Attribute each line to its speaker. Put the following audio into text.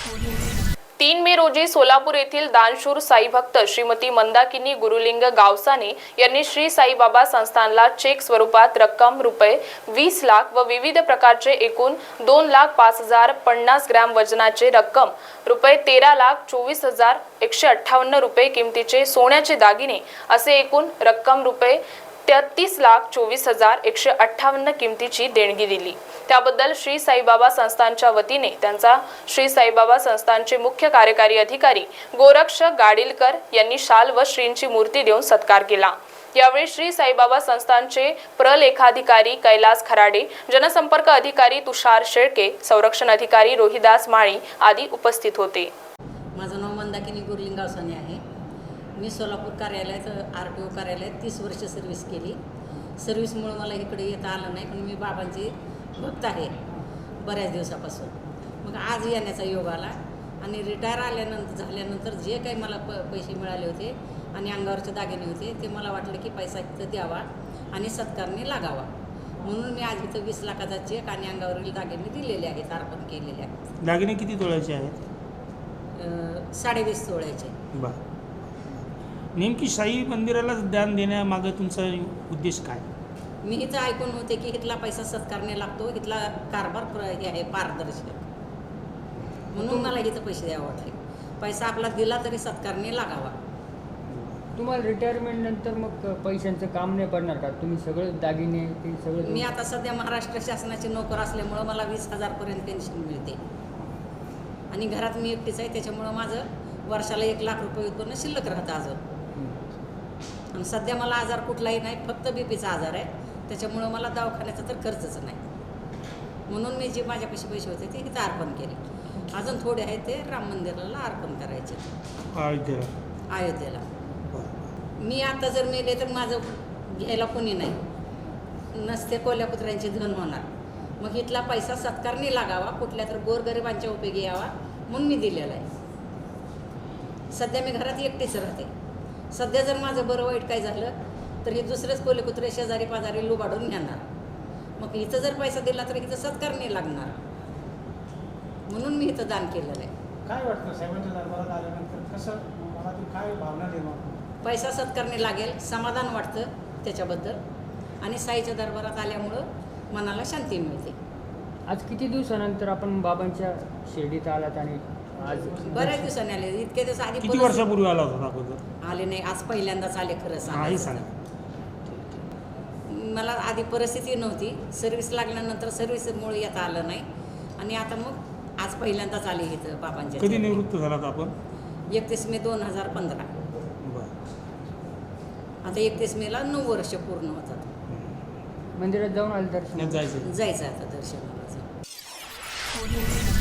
Speaker 1: 3 मे रोजी सोलापूर येथील दानशूर साई भक्त श्रीमती मंदाकिनी गुरुलिंग गावसाने यांनी श्री साईबाबा संस्थानला चेक स्वरूपात रक्कम रुपये 20 लाख व विविध प्रकारचे एकूण 2,05,050 ग्रॅम वजनाचे रक्कम रुपये 13,24,158 रुपये किमतीचे सोन्याचे दागिने असे एकूण रक्कम रुपये 33,24,158 किमतीची देणगी दिली। त्याबद्दल श्री साईबाबा संस्थानच्या वतीने त्यांचा श्री साईबाबा संस्थानचे मुख्य कार्यकारी अधिकारी गोरक्ष गाडीलकर यांनी शाल व श्रींची मूर्ती देऊन सत्कार केला। यावेळी श्री साईबाबा संस्थानचे प्रलेखाधिकारी कैलास खराडे, जनसंपर्क अधिकारी तुषार शेळके, संरक्षण अधिकारी रोहिदास माळी आदी उपस्थित होते।
Speaker 2: माझं नाव मंदाकिनी गुरुलिंग गावसाने आहे। मी सोलापूर कार्यालयात RTO कार्यालयात 30 वर्ष सर्व्हिस केली। सर्व्हिसमुळे मला इकडे येता आलं नाही, पण मी बाबांची भक्त आहे बऱ्याच दिवसापासून। मग आज येण्याचा योग आला आणि रिटायर झाल्यानंतर जे काही मला पैसे मिळाले होते आणि अंगावरचे दागिने होते ते मला वाटलं की पैसा इथं द्यावा आणि सत्कारने लागावा, म्हणून मी आज इथं 20 लाखाचा चेक आणि अंगावरील दागिने दिलेले आहेत, अर्पण केलेले आहेत।
Speaker 3: दागिने किती तोळ्याचे आहेत?
Speaker 2: 20.5 तोळ्याचे।
Speaker 3: बरं, नेमकी साई मंदिराला दान देण्यामागे तुमचा उद्देश काय?
Speaker 2: मी इथं ऐकून होते की इथला पैसा सत्कारने लागतो, इथला कारभार हे आहे पारदर्शक, म्हणून मला इथं पैसे द्यावे वाटले। पैसा आपला दिला तरी सत्कारने लागावा।
Speaker 4: तुम्हाला रिटायरमेंट नंतर मग पैशांचं काम नाही पडणार का? तुम्ही सगळं दागिने ते सगळं?
Speaker 2: मी आता सध्या महाराष्ट्र शासनाची नोकर असल्यामुळं मला 20,000 पर्यंत पेन्शन मिळते आणि घरात मी एकटीच आहे, त्याच्यामुळं माझं वर्षाला 1 लाख रुपये उत्पन्न शिल्लक राहतं अजून। आणि सध्या मला आजार कुठलाही नाही, फक्त बीपीचा आजार आहे, त्याच्यामुळं मला दवाखान्याचा तर खर्चच नाही, म्हणून मी जे माझ्यापाशी पैसे होते ते इथं अर्पण केले। अजून थोडे आहेत ते राम मंदिराला अर्पण करायचे अयोध्येला। मी आता जर मेले तर माझं घ्यायला कोणी नाही, नसते कोल्या कुत्र्यांची धन होणार। मग इथला पैसा सत्कारने लागावा, कुठल्या तर गोरगरिबांच्या उपयोगी यावा, म्हणून मी दिलेला आहे। सध्या मी घरात एकटीच राहते। सध्या जर माझं बरं वाईट काय झालं तर हे दुसरेच कोले कुत्रे शेजारी पाजारी लुबाडून घेणार, मग इथं जर पैसा दिला तर इथं सत्कारने लागणार, म्हणून मी इथं दान केलेलं आहे।
Speaker 5: काय वाटतं साहेबांच्या दरबारात आल्यानंतर कसं मनातून काय भावना निर्माण?
Speaker 2: पैसा सत्कारने लागेल, समाधान वाटतं त्याच्याबद्दल, आणि साईच्या दरबारात आल्यामुळं मनाला शांती मिळते।
Speaker 4: आज किती दिवसानंतर आपण बाबांच्या शिर्डीत आलात आणि आज
Speaker 2: बऱ्याच दिवसांनी आले, इतके दिवस आधी
Speaker 3: किती वर्षापूर्वी आला होता अगोदर?
Speaker 2: आले नाही, आज पहिल्यांदाच आले। खरं
Speaker 3: नाही
Speaker 2: सांगा, मला आधी परिस्थिती नव्हती, सर्व्हिस लागल्यानंतर सर्व्हिसमुळे येता आलं नाही, आणि आता मग आज पहिल्यांदाच आले इथं बाबांच्या।
Speaker 3: कधी निवृत्त झालात आपण?
Speaker 2: 31 मे 2015। आता 31 मेला 9 वर्ष पूर्ण होतात।
Speaker 4: मंदिरात जाऊन आले दर्शन?
Speaker 3: जायचं
Speaker 2: जायचं आता दर्शनाला।